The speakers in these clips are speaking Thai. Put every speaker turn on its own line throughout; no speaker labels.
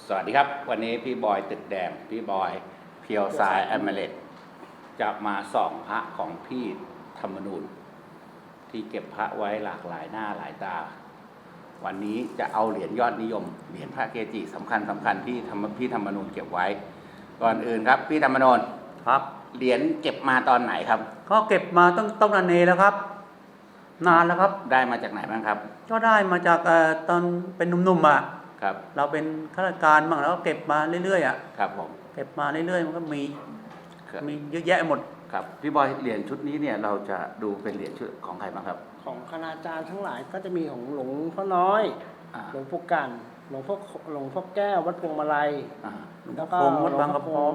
สวัสดีครับวันนี้พี่บอยตึกแดงพี่บอยเพียวสายแอมเมเลตจะมาส่องพระของพี่ธรรมนูญที่เก็บพระไว้หลากหลายหน้าหลายตาวันนี้จะเอาเหรียญยอดนิยมเหรียญพระเกจิสำคัญที่พี่ธรรมนูญเก็บไว้ก่อนอื่นครับพี่ธรรมนูญ
ครับ
เหรียญเก็บมาตอนไหนครับ
ก็เก็บมาต้องนานแล้วครับนานแล้วครับ
ได้มาจากไหนบ้างครับ
ก็ได้มาจากตอนเป็นหนุ่มๆอ่ะ
ครับ
เราเป็นข้าราชการบ้างแล้วก็เก็บมาเรื่อยๆอ่ะ
ครับผม
เก็บมาเรื่อยๆมันก็มีเยอะแยะหมด
ครับพี่บอยเหรียญชุดนี้เนี่ยเราจะดูเป็นเหรียญชุดของใครบ้างครับ
ของคณาจารย์ทั้งหลายก็จะมีของหลวงพ่อน้อยหลวงปู่กันหลวงพ่อแก้ววัดพวงมาลัย
แล้วก็วัดบางกระพร้อม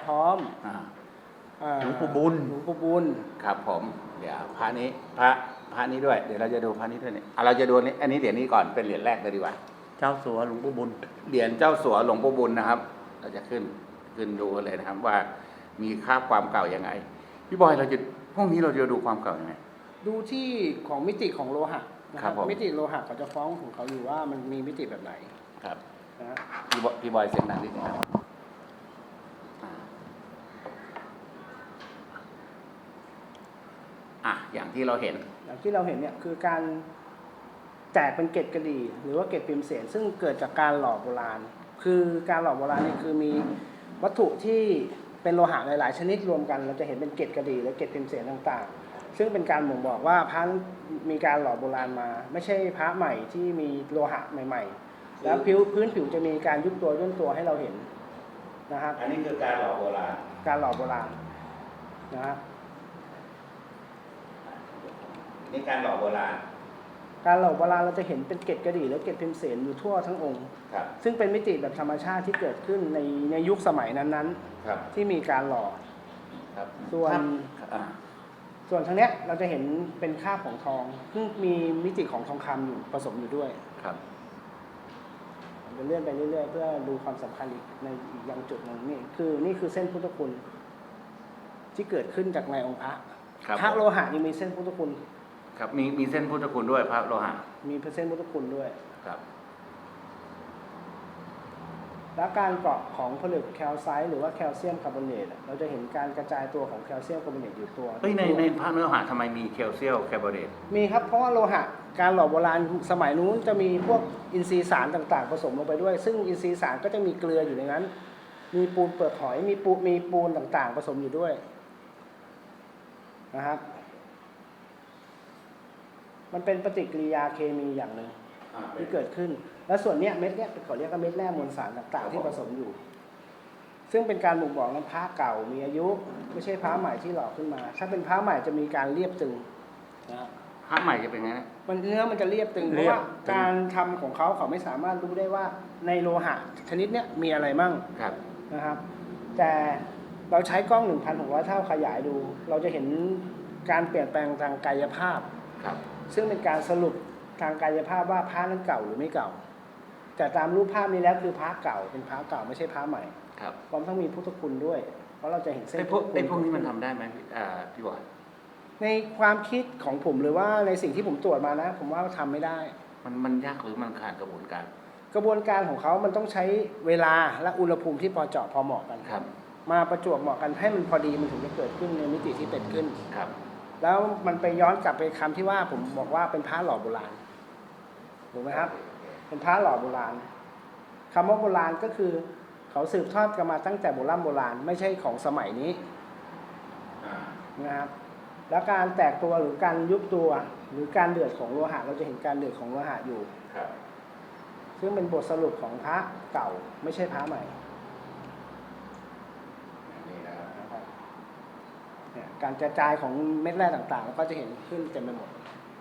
หลวงปู่บุญ
ครับผมเดี๋ยวพระนี้ด้วยเดี๋ยวเราจะดูพระนี้ด้วยเนี่ยเราจะดูอันนี้เหรียญนี้ก่อนเป็นเหรียญแรกเลยดีกว่า
เจ้าสัวหลวงปู่บุญ
เหรียญเจ้าสัวหลวงปู่บุญนะครับเราจะขึ้นดูเลยนะครับว่ามีค่าความเก่ายังไงพี่บอยพวกนี้เราจะดูความเก่ายังไง
ดูที่ของมิติของโลหะนะครับมิติโลหะเขาจะฟ้องของเขาอยู่ว่ามันมีมิติแบบไหน
ครับ
นะ
พี่บอยเสียงดังนิดนึงครับอย่างที่เราเห็น
เนี่ยคือการแตกเป็นเกล็ดกระดี่หรือว่าเกล็ดพิมพ์เสียนซึ่งเกิดจากการหล่อโบราณคือการหล่อโบราณนี่คือมีวัตถุที่เป็นโลหะหลายๆชนิดรวมกันเราจะเห็นเป็นเกล็ดกระดี่และเกล็ดพิมพ์เสียนต่างๆซึ่งเป็นการบ่งบอกว่าพระมีการหล่อโบราณมาไม่ใช่พระใหม่ที่มีโลหะใหม่ๆแล้วพื้นผิวจะมีการยุบตัวย่นตัวให้เราเห็นนะครับ
อันนี้คือการหล่อโบราณ
นะฮะ
นี่การหล่อโบราณ
เราจะเห็นเป็นเกล็ดกระดี่และเกล็ดพิมพ์เสนอยู่ทั่วทั้งองค์ซึ่งเป็นมิติแบบธรรมชาติที่เกิดขึ้นในยุคสมัยนั้นๆที่มีการหล่อส่วนทางเนี้ยเราจะเห็นเป็นคราบของทองซึ่งมีมิติของทองคำอยู่ผสมอยู่ด้วย
ครับ
จะเลื่อนไปเรื่อยๆเพื่อดูความสำคัญอีกในอีกอย่างจุดหนึ่งนี่คือเส้นพุทธคุณที่เกิดขึ้นจากในองค์พระโลหะยังมีเส้นพุทธคุณ
ครับมีเส้นพุทธคุณด้วยพระโลหะ
มีเส้นพุทธคุณด้วย
ครับ
และการเกาะของผลึกแคลไซต์หรือว่าแคลเซียมคาร์บอเนตเราจะเห็นการกระจายตัวของแคลเซียมคาร์บอเนตอยู่ตัว
ในพระเนื้อหาทำไมมีแคลเซียมคาร์บอเนต
มีครับเพราะว่าโลหะการหล่อโบราณสมัยนู้นจะมีพวกอินทรีย์สารต่างๆผสมลงไปด้วยซึ่งอินทรีย์สารก็จะมีเกลืออยู่ในนั้นมีปูนเปลือกหอยมีปูนต่างๆผสมอยู่ด้วยนะครับมันเป็นปฏิกิริยาเคมีอย่างหนึ่งที่เกิดขึ้นและส่วนเนี้ยเม็ดเนี้ยเขาเรียกว่าเม็ดแร่มวลสารต่างๆที่ผสมอยู่ซึ่งเป็นการบ่งบอกว่าพระเก่ามีอายุไม่ใช่พระใหม่ที่หล่อขึ้นมาถ้าเป็นพระใหม่จะมีการเรียบตึง
นะพระใหม่จะเป็นไงนะ
เนื้อมันจะเรียบตึงเพราะว่าการทำของเขาไม่สามารถรู้ได้ว่าในโลหะชนิดเนี้ยมีอะไรมั่งนะครับแต่เราใช้กล้อง 1,600 เท่าขยายดูเราจะเห็นการเปลี่ยนแปลงทางกายภาพซึ่งเป็นการสรุปทางกายภาพว่าพระนั้นเก่าหรือไม่เก่าแต่ตามรูปภาพนี้แล้วคือพระเก่าเป็นพระเก่าไม่ใช่พระใหม่พร้อมทั้งมีพุทธคุณด้วยเพราะเราจะเห็นเส้น
พวกนี้มันทำได้ไหมพี่บอย
ในความคิดของผมหรือว่าในสิ่งที่ผมตรวจมานะผมว่าทำไม่ได้
มันยากหรือมันขาดกระบวน
การของเขามันต้องใช้เวลาและอุณหภูมิที่พอเจาะพอเหมาะกันมาประจวบเหมาะกันให้มันพอดีมันถึงจะเกิดขึ้นในมิติที่เป็นขึ้นแล้วมันไปย้อนกลับไปคำที่ว่าผมบอกว่าเป็นพระหล่อโบราณถูกไหมครับเป็นพระหล่อโบราณคำว่าโบราณก็คือเขาสืบทอดกันมาตั้งแต่โบราณไม่ใช่ของสมัยนี้นะครับแล้วการแตกตัวหรือการยุบตัวหรือการเดือดของโลหะเราจะเห็นการเดือดของโลหะอยู่ซึ่งเป็นบทสรุปของพระเก่าไม่ใช่พระใหม่การกระจายของเม็ดแร่ต่างๆแล้วก็จะเห็นขึ้นเต็มไปหมด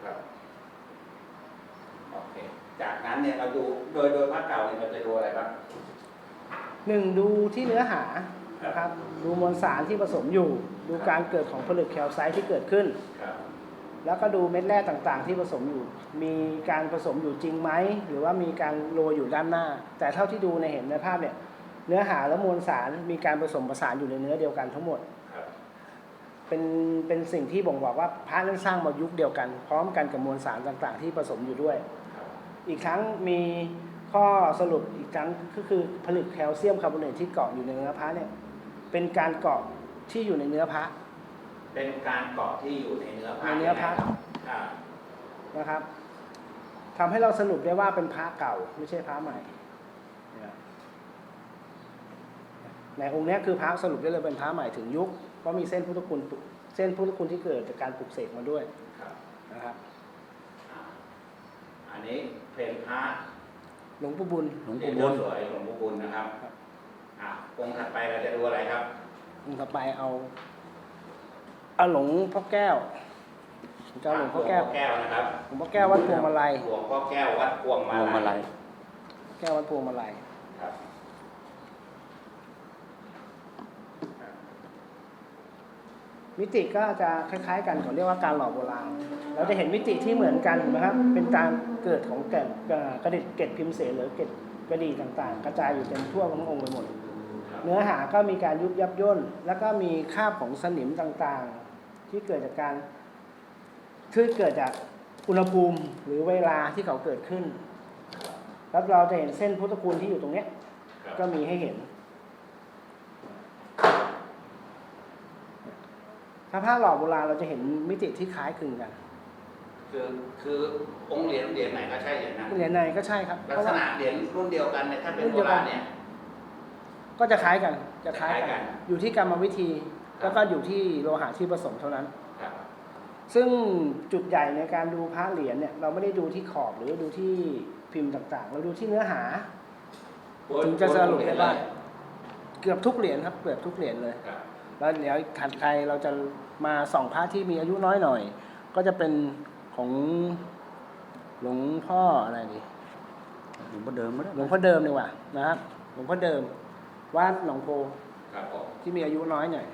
โอเคจากนั้นเนี่ยเราดูโดยพระเก่าเนี่ยเราจะดูอะไรบ้าง
ดูที่เนื้อหานะครับดูมวลสารที่ผสมอยู่ดูการเกิดของผลึกแคลไซต์ที่เกิดขึ้นแล้วก็ดูเม็ดแร่ต่างๆที่ผสมอยู่มีการผสมอยู่จริงไหมหรือว่ามีการโรยอยู่ด้านหน้าแต่เท่าที่ดูในเห็นในภาพเนี่ยเนื้อหาและมวลสารมีการผสมผสานอยู่ในเนื้อเดียวกันทั้งหมดเป็นสิ่งที่บ่งบอกว่าพระนั้นสร้างมายุคเดียวกันพร้อมกันกับมวลสารต่างๆที่ผสมอยู่ด้วยอีกทั้งมีข้อสรุปอีกครั้งก็คือผลึกแคลเซียมคาร์บอเนตที่เกาะอยู่ในเนื้อพระเนี่ยเป็นการเกาะที่อยู่ในเนื้อพระ
เป็นการเกาะที่อยู่ในเนื้อพระ
ในเนื้อพระ
อ่า
นะครับทำให้เราสรุปได้ว่าเป็นพระเก่าไม่ใช่พระใหม่เนี่ยในองค์นี้คือพระสรุปได้เลยเป็นพระใหม่ถึงยุคเพราะมีเส้นพุทธคุณที่เกิดจากการปลุกเสกมาด้วย
ครับ
นะครับ
อ่าอันนี้เป็นพระ
หลวงปู่บุญ
หลวง
ที่
ปู่บุญ
สวยหลวงปู่บุญนะครับองค์ถัดไปเราจะดูอะไรครับ
องค์ต่อไปเอาหลวงพ่อแก้วหลวงพ่อแก้ว
แก้วนะครับ
หลวงพ่อแก้ววัดพวงมาลัย
หลวงพ่อแก้ววัดพวงมา
พวงมาลั
ลั
ย
ย
แก้ววัดพวงมาลัย
ครับ
มิติก็จะคล้ายๆกันเขาเรียกว่าการหล่อโบราณเราจะเห็นมิติที่เหมือนกันนะครับเป็นการเกิดของแก่นกระดิษเกล็ดพิมพ์เสนหรือเกล็ดกระดี่ต่างๆ กระจายอยู่เต็มทั่วทั้งองค์ไปหมด เนื้อหาก็มีการยุบยับย่นแล้วก็มีคราบของสนิมต่างๆ ที่เกิดจากอุณหภูมิหรือเวลาที่เขาเกิดขึ้นแล้วเราจะเห็นเส้นพุทธคุณที่อยู่ตรงเนี้ยก็มีให้เห็นถ้าผ้าหล่อโบราณเราจะเห็นมิติที่คล้ายคลึงกัน
คือองค์เหรียญไหนก็ใช่เหรียญนั้น
เหรียญในก็ใช่ครับ
ลักษณะเหรียญรุ่นเดียวกันเนี่ยถ้าเป็นโบราณเนี่ย
ก็จะคล้ายกัน
จะคล้ายกัน
อยู่ที่กรรมวิธีแล้วก็อยู่ที่โลหะที่ผสมเท่านั้น
ครับ
ซึ่งจุดใหญ่ในการดูพระเหรียญเนี่ยเราไม่ได้ดูที่ขอบหรือดูที่พิมพ์ต่างๆ เราดูที่เนื้อหา ถึงจะสรุปได้ว่าเกือบทุกเหรียญครับเกือบทุกเหรียญเลย
ครับ
แล้วเดี๋ยวถัดไปเราจะมาส่องพระที่มีอายุน้อยหน่อย ก็จะเป็นของหลวงพ่ออะไรดี
หลวงพ่อเดิมไม่ได้
หลวงพ่อเดิมดีกว่านะครับหลวงพ่อเดิมวัดหนองโพ
ครับผม
ที่มีอายุน้อยหน่อย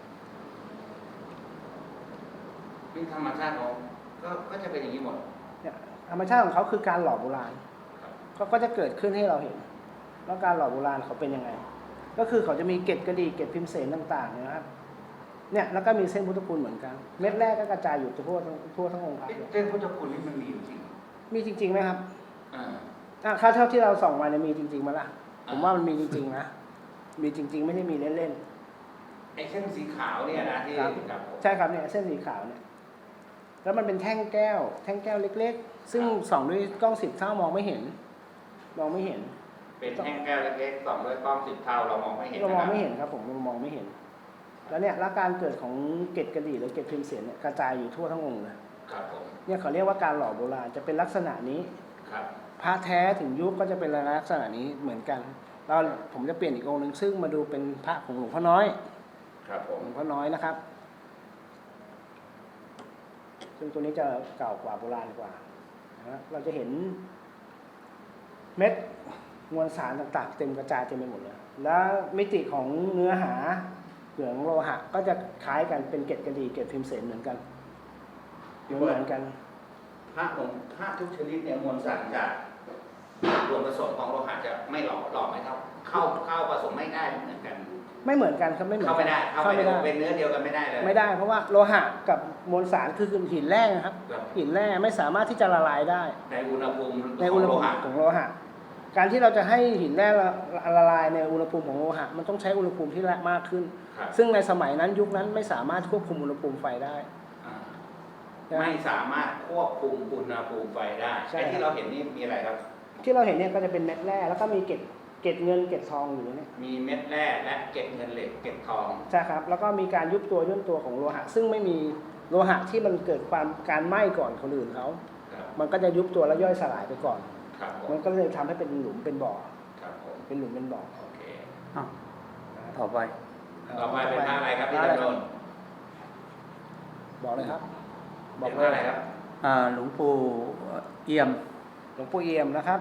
เป็นธรรมชาติของก็จะเป็นอย่างนี้หมด
เนี่ยธรรมชาติของเขาคือการหล่อโบราณ
ครับ
เขาก็จะเกิดขึ้นให้เราเห็นว่าการหล่อโบราณเขาเป็นยังไง ก็คือเขาจะมีเกล็ดกระดี่เกล็ดพิมพ์เสนต่างๆเนี่ยนะครับเนี่ยแล้วก็มีเส้นพุทธคุณเหมือนกันเม็ดแรกก็กระจายอยู่ทั่วทั้งองค์พระเลย
เส้นพุทธคุณนี่มันมีอยู่จริง
มีจริงๆไหมครับ
อ่า
ค่าเท่าที่เราส่องมาเนี่ยมีจริงๆมั้ยล่ะ
อ่า
ผมว่ามันมีจริงๆนะมีจริงๆไม่ได้มีเล่น
ไอ้เส้นสีขาวเนี่ยนะที่
ๆครับ
ครับผม
ใช่ครับเนี่ยเส้นสีขาวเนี่ยแล้วมันเป็นแท่งแก้วเล็กๆ ซึ่งส่องด้วยกล้อง10 เท่ามองไม่เห็น
เป็นแท่งแก้วเล็กๆส่องด้วยกล้อง10 เท่าเรามองไม่เห็น
เรา
นะ
ม
ค
อง
รับ
ไม่เห็นครับผมเรามองไม่เห็น แล้วเนี่ยแล้วการเกิดของเกล็ดกระดี่หรือเกล็ดพิมพ์เสียนเนี่ยกระจายอยู่ทั่วทั้งองค์เลย
ครับผม
เนี่ยเขาเรียกว่าการหล่อโบราณจะเป็นลักษณะนี้
ครับ
พระแท้ถึงยุคก็จะเป็นลักษณะนี้เหมือนกันเราผมจะเปลี่ยนอีกองค์หนึ่งซึ่งมาดูเป็นพระของหลวงพ่อน้อย
ครับผม
หลวงพ่อน้อยนะครับ ซึ่งตัวนี้จะเก่ากว่าโบราณกว่านะเราจะเห็นเม็ดมวลสารต่างๆเต็มกระจายเต็มไปหมดเลยแล้วมิติของเนื้อหาเหลืองโลหะก็จะคล้ายกันเป็นเกล็ดกระดี่เกล็ดพิมพ์เสนเหมือนกันเหมือนกัน
พระทุกชนิดเนี่ยมวลสารจากส่วนผสมของโลหะจะไม่หล่อไม่เท่าเข้าผสมไม่ได้เหมือนกัน
ไม่เหมือนกันครับไม่เหมือน
เข้าไม่ได้
เข้าไม่ได้
เป็นเนื้อเดียวกันไม่ได้เลย
ไม่ได้เพราะว่าโลหะกับมวลสารคือหินแร่นะครับ
ครับ
หินแร่ไม่สามารถที่จะละลายได้
ในอุณหภูมิ
ในอุณหภูมิของโลหะการที่เราจะให้หินแร่ละลายในอุณหภูมิของโลหะมันต้องใช้อุณหภูมิที่มากขึ้น
ครับ
ซึ่งในสมัยนั้นยุคนั้นไม่สามารถควบคุมอุณหภูมิไฟได้
อ่าไม่สามารถควบคุมอุณหภูมิไฟได้
ใช่
ไอ้ที่เราเห็นนี่มีอะไรครับ
ที่เราเห็นเนี่ยก็จะเป็นเม็ดแร่แล้วก็มีเกล็ดเงินเกล็ดทองอยู่เนี่ย
มีเม็ดแร่และเกล็ดเงินเหล็กเกล็ดทอง
ใช่ครับแล้วก็มีการยุบตัวย่นตัวของโลหะ ซึ่งไม่มีโลหะที่มันเกิดการไหม้ก่อนคนอื่นเขา
ครับ
มันก็จะยุบตัวแล้วย่อยสลายไปก่อน
ครับผม
มันก็เลยทำให้เป็นหลุมเป็นบ่อ
ครับผม
เป็นหลุมเป็นบ่อ
โอเค
อ้าวต่อไป
ต่อไปเป็นพระอะไรครับพี่
พะ
จำนน
บอกเลยครับ
เป็นพระอะไรครับ
หลวงปู่เอี่ยม
หลวงปู่เอี่ยมนะครับ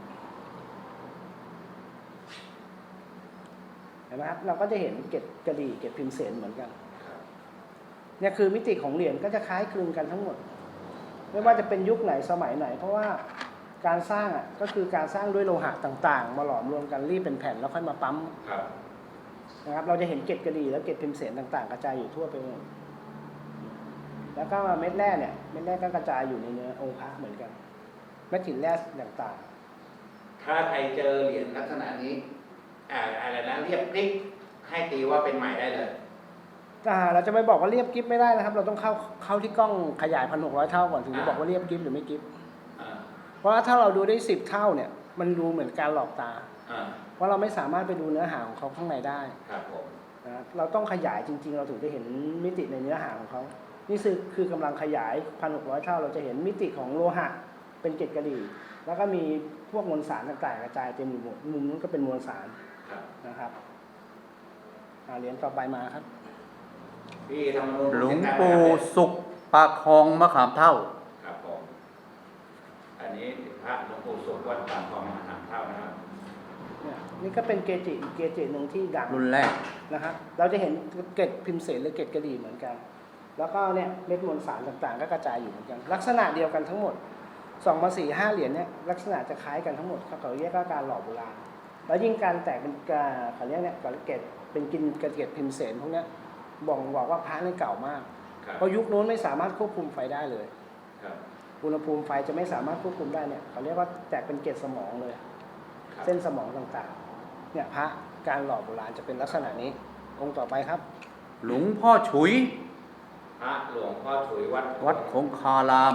เห็นไหมครับเราก็จะเห็นเกล็ดกระดี่เกล็ดพิมพ์เสนเหมือนกันเนี่ยคือมิติของเหรียญก็จะคล้ายคลึงกันทั้งหมด ไม่ว่าจะเป็นยุคไหนสมัยไหน เพราะว่าการสร้างก็คือการสร้างด้วยโลหะต่างๆ มาหลอมรวมกันรีดเป็นแผ่นแล้วค่อยมาปั๊ม
ครับ
นะครับเราจะเห็นเกล็ดกระดี่และเกล็ดพิมพ์เสนต่างๆ กระจายอยู่ทั่วไปหมดแล้วก็เม็ดแร่เนี่ยเม็ดแร่ก็กระจายอยู่ในเนื้อองค์พระเหมือนกันเม็ดหินแร่ต่าง
ถถ้าใครเจอเหรียญลักษณะนี้อะไรนะเรียบกริ๊กให้ตีว่าเป็นใหม่ได้เลย
เราจะไปบอกว่าเรียบกิฟไม่ได้นะครับ เราต้องเข้าที่กล้องขยาย 1,600 เท่าก่อนถึงจะบอกว่าเรียบกิฟหรือไม่กิฟ เพราะว่าถ้าเราดูได้10 เท่าเนี่ยมันดูเหมือนการหลอกตาเพราะเราไม่สามารถไปดูเนื้อหาของเขาข้างในได้
ครับผม
นะเราต้องขยายจริงๆเราถึงจะเห็นมิติในเนื้อหาของเขานี่คือกำลังขยาย 1,600 เท่าเราจะเห็นมิติของโลหะเป็นเกล็ดกระดี่แล้วก็มีพวกมวลสารต่างๆกระจายเต็มอยู่หมดมุมนู้นก็เป็นมวลสารนะครับเหรียญต่อไปมาครับ
หลวงปู่สุขปากคลองมะขามเท่า
ครับผมอันนี้พระหลวงปู่สุขวัดปากคลองมะขามเท่านะครับ
นี่ก็เป็นเกจิอีกเกจิหนึ่งที่ดัง
รุ่นแรก
นะครับเราจะเห็นเกล็ดพิมพ์เสนหรือเกล็ดกระดี่เหมือนกันแล้วก็เนี่ยเม็ดมวลสารต่างๆก็กระจายอยู่เหมือนกันลักษณะเดียวกันทั้งหมด2 มา 4 5 เหรียญเนี่ยลักษณะจะคล้ายกันทั้งหมดเขาเรียกว่าการหล่อโบราณแล้วยิ่งการแตกเป็นเขาเรียกเนี่ยเกล็ดเป็นเกล็ดพิมพ์เสนพวกนี้บอกว่าพระนี่เก่ามากเพราะยุคนู้นไม่สามารถควบคุมไฟได้เลยอุณหภูมิไฟจะไม่สามารถควบคุมได้เนี่ยเขาเรียกว่าแตกเป็นเกล็ดสมองเลยเส้นสมองต่างๆเนี่ยพระการหล่อโบราณจะเป็นลักษณะนี้องค์ต่อไปครับ
หลวงพ่อฉุย
พระหลวงพ่อฉุย
วัดคงคาราม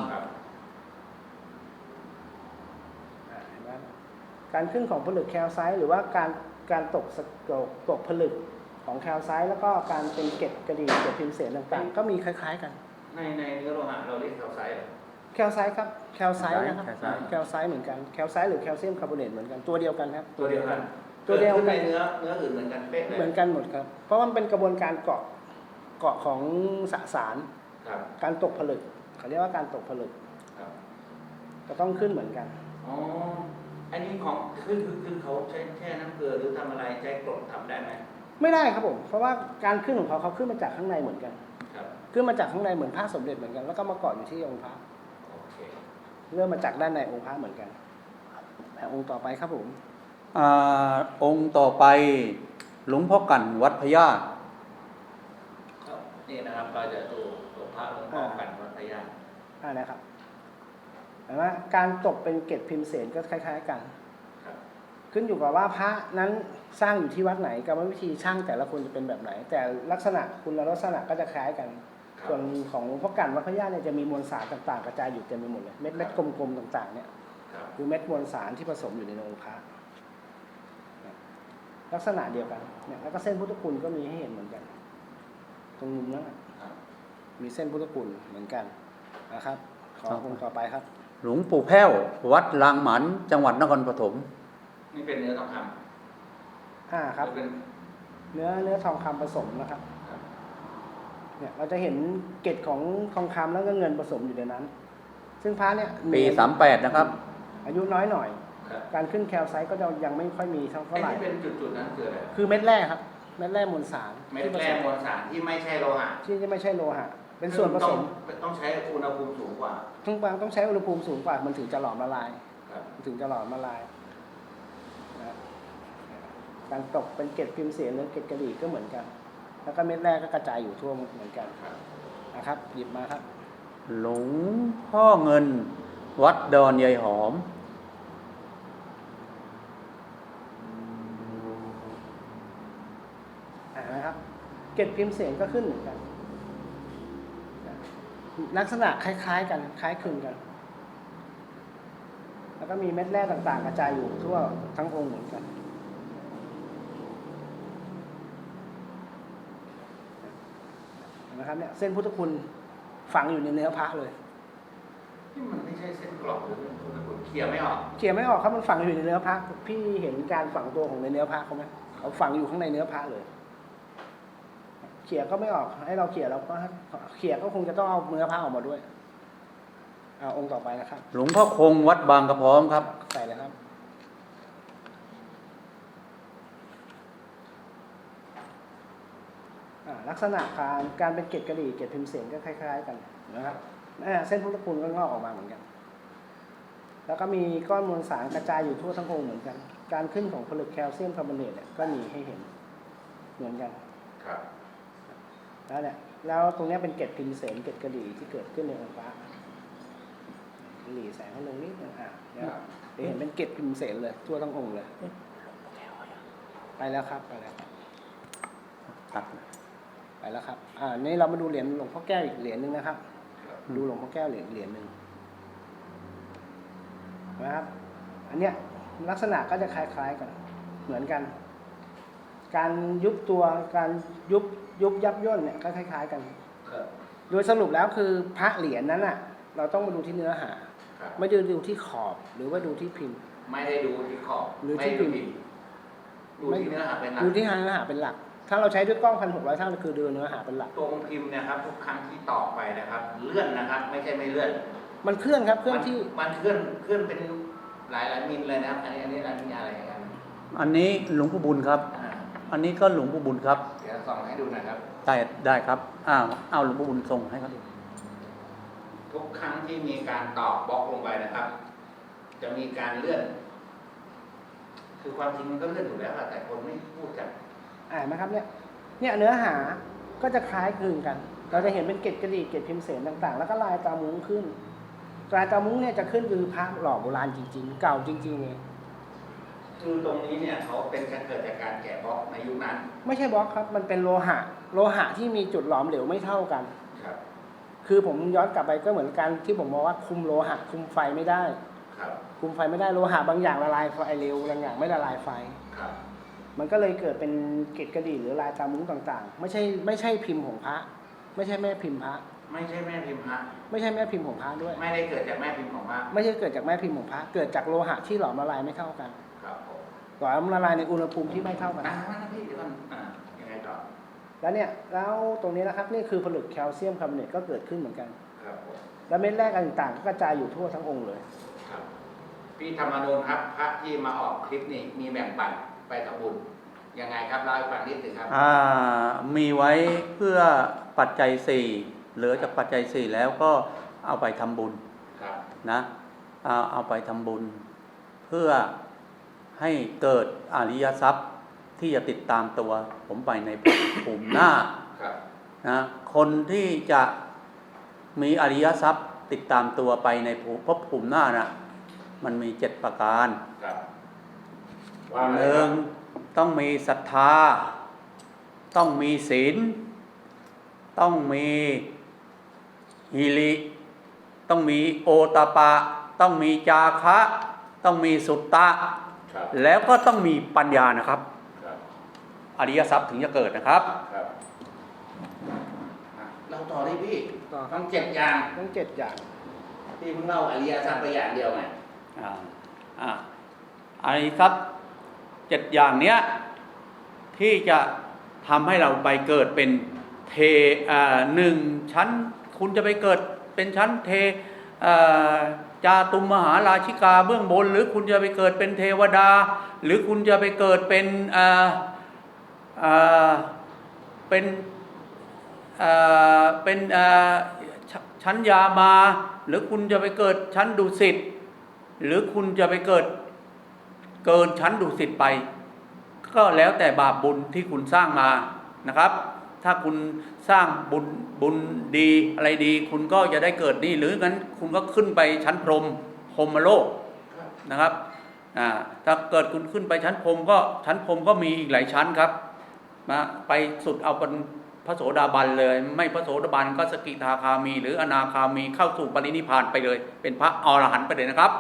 การขึ้นของผลึกแคลไซต์หรือว่าการตกผลึกของแคลไซต์แล้วก็การเป็นเกล็ดกระดี่เกล็ดพิมพ์เสนต่างๆก็มีคล้ายๆกัน
ในเนื้อโลหะเราเรียกแคลไซต์
แคลไซต์ครับแคลไซต์นะครับแคลไซต์เหมือนกันแคลไซต์หรือแคลเซียมคาร์บอเนตเหมือนกันตัวเดียวกันครับ
ตัวเดียวกันในเนื้ออื่นเหมือนกันเป๊ะเลย
เหมือนกันหมดครับเพราะมันเป็นกระบวนการเกาะของสสารการตกผลึกเขาเรียกว่าการตกผลึกก็ต้องขึ้นเหมือนกัน
อ๋ออันนี้ของคือเขาใช้แช่น้ำเกลือหรือทำอะไรใช้กรดทำได้ไหม
ไม่ได้ครับผมเพราะว่าการขึ้นของเขาขึ้นมาจากข้างในเหมือนกันขึ้นมาจากข้างในเหมือนพระสมเด็จเหมือนกันแล้วก็มาเกาะอยู่ที่องค์พระเริ่มมาจากด้านในองค์พระเหมือนกันองค์ต่อไปครับผม
องค์ต่อไปหลวงพ่อกันวัดพญา
นี่นะครับเราจะดูตัวพระหลวงพ่อกันวัดพญา
นะครับเห็นไหมการตกเป็นเกล็ดพิมพ์เสนก็คล้ายๆกันขึ้นอยู่กับว่าพระนั้นสร้างอยู่ที่วัดไหนกรรมวิธีช่างแต่ละคนจะเป็นแบบไหนแต่ลักษณะคุณลักษณะก็จะคล้ายกันส่วนของหลวงพ่อกันวัดพญาเนี่ยจะมีมวลสารต่างๆกระจายอยู่เต็มไปหมดเลยเม็ดกลมๆต่างๆเนี่ยคือเม็ดมวลสารที่ผสมอยู่ในองค์พระลักษณะเดียวกันเนี่ยแล้วก็เส้นพุทธคุณก็มีให้เห็นเหมือนกันตรงมุมนั้นมีเส้นพุทธคุณเหมือนกันนะครับขอองค์ต่อไปครับ
หลวงปู่แพ้ววัดลางหมันจังหวัดนครปฐม
นี่เป็นเนื้อทองคำ
ครับเนื้อทองคำผสมนะครับเนี่ยเราจะเห็นเกล็ดของทองคำแล้วก็เงินผสมอยู่ในนั้นซึ่งพระเนี่ย
ปี38นะครับ
อายุน้อยหน่อยการขึ้นแคลไซต์ก็ยังไม่ค่อยมีเท่าไหร่
ที่เป็นจุดๆนั้นคืออะไร
คือเม็ดแร่ครับเม็ดแร่มวลสาร
เม็ดแร่มวลสารที่ไม่ใช่โลหะ
ที่ไม่ใช่โลหะเป็นส่วนผสม
ต้องใช้อุณหภูมิสูงกว่า
ต้องใช้อุณหภูมิสูงกว่ามันถึงจะหลอมละลายถึงจะหลอมละลายการตกเป็นเกล็ดพิมพ์เสนหรือเกล็ดกระดี่ก็เหมือนกันแล้วก็เม็ดแร่ก็กระจายอยู่ทั่วเหมือนกันนะครับหยิบมาครับ
หลวงพ่อเงินวัดดอนยายหอม
นะครับเกล็ดพิมพ์เสนก็ขึ้นเหมือนกันลักษณะคล้ายๆกันคล้ายคลึงกันแล้วก็มีเม็ดแร่ต่างๆกระจายอยู่ทั่วทั้งองค์เหมือนกันนะครับเนี่ยเส้นพุทธคุณฝังอยู่ในเนื้อพระเลย
ที่มันไม่ใช่เส้นกรอบหรือพุทธคุณเขี่ยไม่ออก
ครับมันฝังอยู่ในเนื้อพระพี่เห็นการฝังตัวของในเนื้อพระเขาไหมเขาฝังอยู่ข้างในเนื้อพระเลยเขี่ยก็ไม่ออกให้เราเขี่ยเราก็เขี่ยก็คงจะต้องเอาเนื้อพระออกมาด้วยองค์ต่อไปนะครับ
หลวงพ่อคงวัดบางกระพร้อมครับ
ใส่เลยครับลักษณะการเป็นเกล็ดกระดี่เกล็ดพิมพ์เสนก็คล้ายๆกันนะครับเส้นพุทธคุณก็งอกออกมาเหมือนกันแล้วก็มีก้อนมวลสารกระจายอยู่ทั่วทั้งองค์เหมือนกันการขึ้นของผลึกแคลเซียมคาร์บอเนตเนี่ยก็มีให้เห็นเหมือนกันแล้วตรงนี้เป็นเกล็ดพิมพ์เสนเกล็ดกระดี่ที่เกิดขึ้นในองค์พระหลีแสงให้ลงนิดนึงเนี่ยเดี๋ยวเห็นเป็นเกล็ดพิมพ์เสนเลยทั่วทั้งองค์เลยไปแล้วครับไปแล้วครับ
ตัด
ไปแล้วครับนี่เรามาดูเหรียญหลวงพ่อแก้วอีกเหรียญหนึ่งนะครับ ดูหลวงพ่อแก้วเหรียญหนึ่งนะครับ อันเนี้ยลักษณะก็จะคล้ายๆกันเหมือนกัน การยุบตัวการยุบยับย่นเนี่ยก็คล้ายๆกัน โดยสรุปแล้วคือพระเหรียญนั้นอ่ะ เราต้องมาดูที่เนื้อหา ไม่ได้ดูที่ขอบหรือว่าดูที่พิมพ์
ไม่ได้ดูที่ขอบ
หรือที่พิมพ์
ดูที่เนื้อหาเป็นหลัก
ดูที่เนื้อหาเป็นหลัก ถ้าเราใช้ด้วยกล้อง 1,600 เท่าคือดูเนื้อหาเป็นหลัก
ตรงพิมพ์นะครับทุกครั้งที่ต่อไปนะครับ เลื่อนนะครับ ไม่ใช่ไม่เลื่อน
มันเคลื่อนครับเคลื่อนที่
มันเคลื่อนเป็นหลายมิลเลยนะครับ อันนี้อะไรกัน
อันนี้หลวงปู่บุญครับ อันนี้ก็หลวงปู่บุญครับ
เดี๋ยวส่องให้ดูนะครับ
ได้ครับเอาหลวงปู่บุญส่งให้เขาดู
ทุกครั้งที่มีการตอกบล็อกลงไปนะครับ จะมีการเลื่อน คือความจริงมันก็เลื่อนอยู่แล้วแต่คนไม่พูดกัน
ไหมครับเนี่ยเนื้อหาก็จะคล้ายคลึงกัน เราจะเห็นเป็นเกล็ดกระดิ่งเกล็ดพิมพ์เสนต่างๆ แล้วก็ลายตามุ้งขึ้นลายตามุ้งเนี่ยจะขึ้นคือพระหล่อโบราณจริงๆ เก่าจริงๆเลย
คือตรงนี้เนี่ยเขาเป็นการเกิดจากการแกะบล็อกในยุคนั้น
ไม่ใช่บล็อกครับ มันเป็นโลหะที่มีจุดหลอมเหลวไม่เท่ากัน
ครับ
คือผมย้อนกลับไปก็เหมือนกันที่ผมบอกว่าคุมโลหะคุมไฟไม่ได้
ครับ
คุมไฟไม่ได้โลหะบางอย่างละลายไฟเร็วบางอย่างไม่ละลายไฟ
ครับ
มันก็เลยเกิดเป็นเกล็ดกระดิ่งหรือลายตามุ้งต่างๆ ไม่ใช่พิมพ์ของพระ ไม่ใช่แม่พิมพ์พระ
ไม่ใช่แม่พิมพ์พระ
ไม่ใช่แม่พิมพ์ของพระด้วย
ไม่ได้เกิดจากแม่พิมพ์ของพระ
ไม่ใช่เกิดจากแม่พิมพ์ของพระ เกิดจากโลหะที่หลอมละลายไม่เท่ากัน
ครับผม
หลอมละลายในอุณหภูมิที่ไม่เท่ากัน
พี่เดี๋ยวก่อนยังไงต่อ
แล้วตรงนี้นะครับนี่คือผลึกแคลเซียมคาร์บอเนตก็เกิดขึ้นเหมือนกัน
ครับผม
แล้วเม็ดแรกต่างๆก็กระจายอยู่ทั่วทั้งองค์เลย
ครับพี่ธรรมนูญครับพระที่มาออกคลิปนี้มีแบ่งปันไปทำบุญยังไงครับเล่าให้ฟังนิดหนึ่งครับ
มีไว้เพื่อปัจจัย4เหลือจากปัจจัย4แล้วก็เอาไปทำบุญ
ครับ
นะเอาไปทำบุญ เพื่อให้เกิดอริยทรัพย์ที่จะติดตามตัวผมไปในภูมิหน้า
ครับ
นะคนที่จะมีอริยทรัพย์ติดตามตัวไปในภพภูมิหน้านะมันมี7ประการ
ครับ
หนึ่งต้องมีศรัทธาต้องมีศีลต้องมีหิริต้องมีโอตปะต้องมีจาคะต้องมีสุตตะ
ครับ
แล้วก็ต้องมีปัญญานะครับ
ครับ
อริยทรัพย์ถึงจะเกิดนะครับ
ครับเราต่อได้พี่
ต่อครับ
ต้อง7อย่าง
ทั้ง7อย่าง
พี่เพิ่งเล่าอริยสัจไปอย่างเดียวไง
อริยทรัพย์7อย่างเนี้ยที่จะทำให้เราไปเกิดเป็นหนึ่งชั้นคุณจะไปเกิดเป็นชั้นจาตุมมหาราชิกาเบื้องบน หรือคุณจะไปเกิดเป็นเทวดา หรือคุณจะไปเกิดเป็นชั้นยามา หรือคุณจะไปเกิดชั้นดุสิตหรือคุณจะไปเกินชั้นดุสิตไป ก็แล้วแต่บาปบุญที่คุณสร้างมานะครับ ถ้าคุณสร้างบุญดีอะไรดี คุณก็จะได้เกิดนี่หรืองั้นคุณก็ขึ้นไปชั้นพรหมโลกนะครับถ้าเกิดคุณขึ้นไปชั้นพรหมก็มีอีกหลายชั้นครับไปสุดเอาเป็นพระโสดาบันเลย ไม่พระโสดาบันก็สกิทาคามี หรืออนาคามีเข้าสู่ปรินิพพานไปเลย เป็นพระอรหันต์ไปเลยนะครับ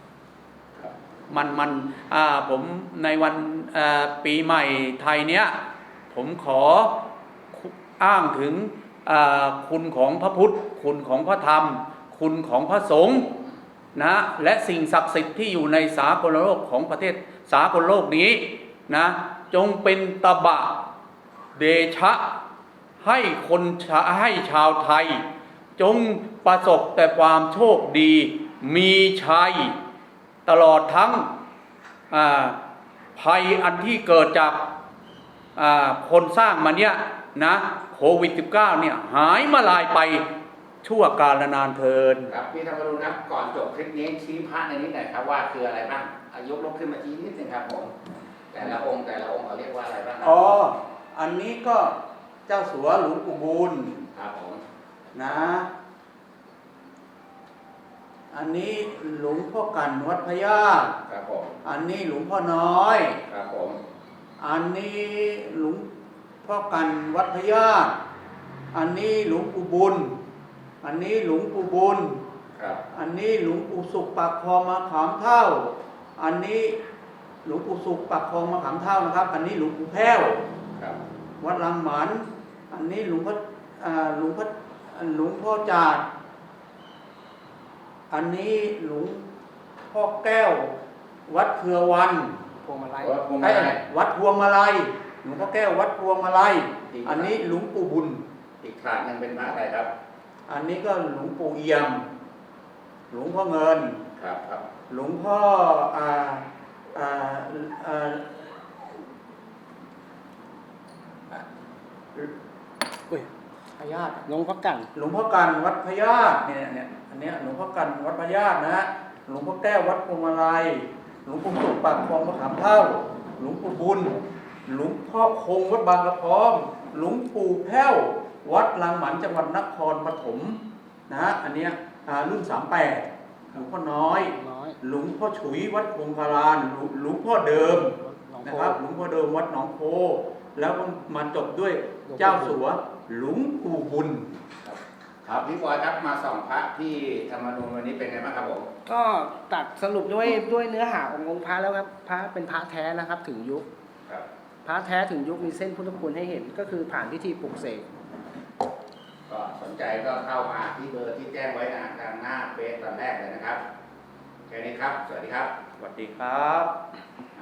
ผมในวันปีใหม่ไทยเนี้ยผมขออ้างถึงคุณของพระพุทธคุณของพระธรรมคุณของพระสงฆ์นะและสิ่งศักดิ์สิทธิ์ที่อยู่ในสากลโลกของประเทศสากลโลกนี้นะจงเป็นตบะเดชะให้ชาวไทยจงประสบแต่ความโชคดีมีชัยตลอดทั้งภัยอันที่เกิดจากคนสร้างมาเนี่ยนะโควิด -19 เนี่ยหายมาลายไปชั่วกาลนานเทิน
ครับพี่ธรรมรุณครับก่อนจบคลิปนี้ชี้พระในนี้หน่อยครับว่าคืออะไรบ้างยกขึ้นมาชี้นิดนึงครับผมแต่ละองค์เขาเรียกว่าอะไรบ้างครับ
อันนี้ก็เจ้าสัวหลวงปู่บุญ
ครับผม
นะอันนี้หลวงพ่อกันวัดพญาต
ครับผม
อันนี้หลวงพ่อน้อย
ครับผม
อันนี้หลวงพ่อกันวัดพญาตอันนี้หลวงปู่บุญ อันนี้หลวงปู่บุญ
ครับ
อันนี้หลวงปู่สุขปากคลองมะขามเท่า อันนี้หลวงปู่สุขปากคลองมะขามเท่านะครับ อันนี้หลวงปู่แพ้ว
ครับ
วัดลังหมัน อันนี้หลวงพ่อจาด อันนี้หลวงพ่อแก้ว วัดเครือวัน
พวงมาลัย
วัดพวงมา
ไอ้
ลัย
วัดพวงมาลัย หลวงพ่อแก้ววัดพวงมาลัย อันนี้หลวงปู่บุญ
อีกถาดหนึงเป็นพระอะไรครับ
อันนี้ก็หลวงปู่เอี่ยม หลวงพ่อเงิน
ครับครับ
หลวงพ่ออ่าอ่าอ่า
อุ้ย
พญาต
หลวงพ่อกัน
หลวงพ่อกันวัดพญาตเนี่ยอันเนี้ยหลวงพ่อกันวัดพญาตนะฮะหลวงพ่อแก้ววัดพวงมาลัยหลวงปู่สุขปากคลองมะขามเท่าหลวงปู่บุญหลวงพ่อคงวัดบางกระพร้อมหลวงปู่แพ้ววัดลังหมันจังหวัดนครปฐมนะฮะอันเนี้ยรุ่น38หลวงพ่อน้อย
น้อย
หลวงพ่อฉุยวัดคงคารานหลวงพ่อเดิม
หลวง
นะ
พ่อ
ครับหลวงพ่อเดิมวัดหนองโพแล้วก็มาจบด้วยเจ้าสัวหลวงปู่บุญ
ครับพี่บอยครับมาส่องพระที่ธรรมนูญวันนี้เป็นไงบ้างครับผม
ก็ตัดสรุปด้วยเนื้อหาขององค์พระแล้วครับพระเป็นพระแท้นะครับถึงยุค
ครับ
พระแท้ถึงยุคมีเส้นพุทธคุณให้เห็นก็คือผ่านพิธีปลุกเสก
ก็สนใจก็เข้ามาที่เบอร์ที่แจ้งไว้นะทางหน้าเฟซตอนแรกเลยนะครับแค่นี้ครับ สวัสดีครับ
สวัสดีครับ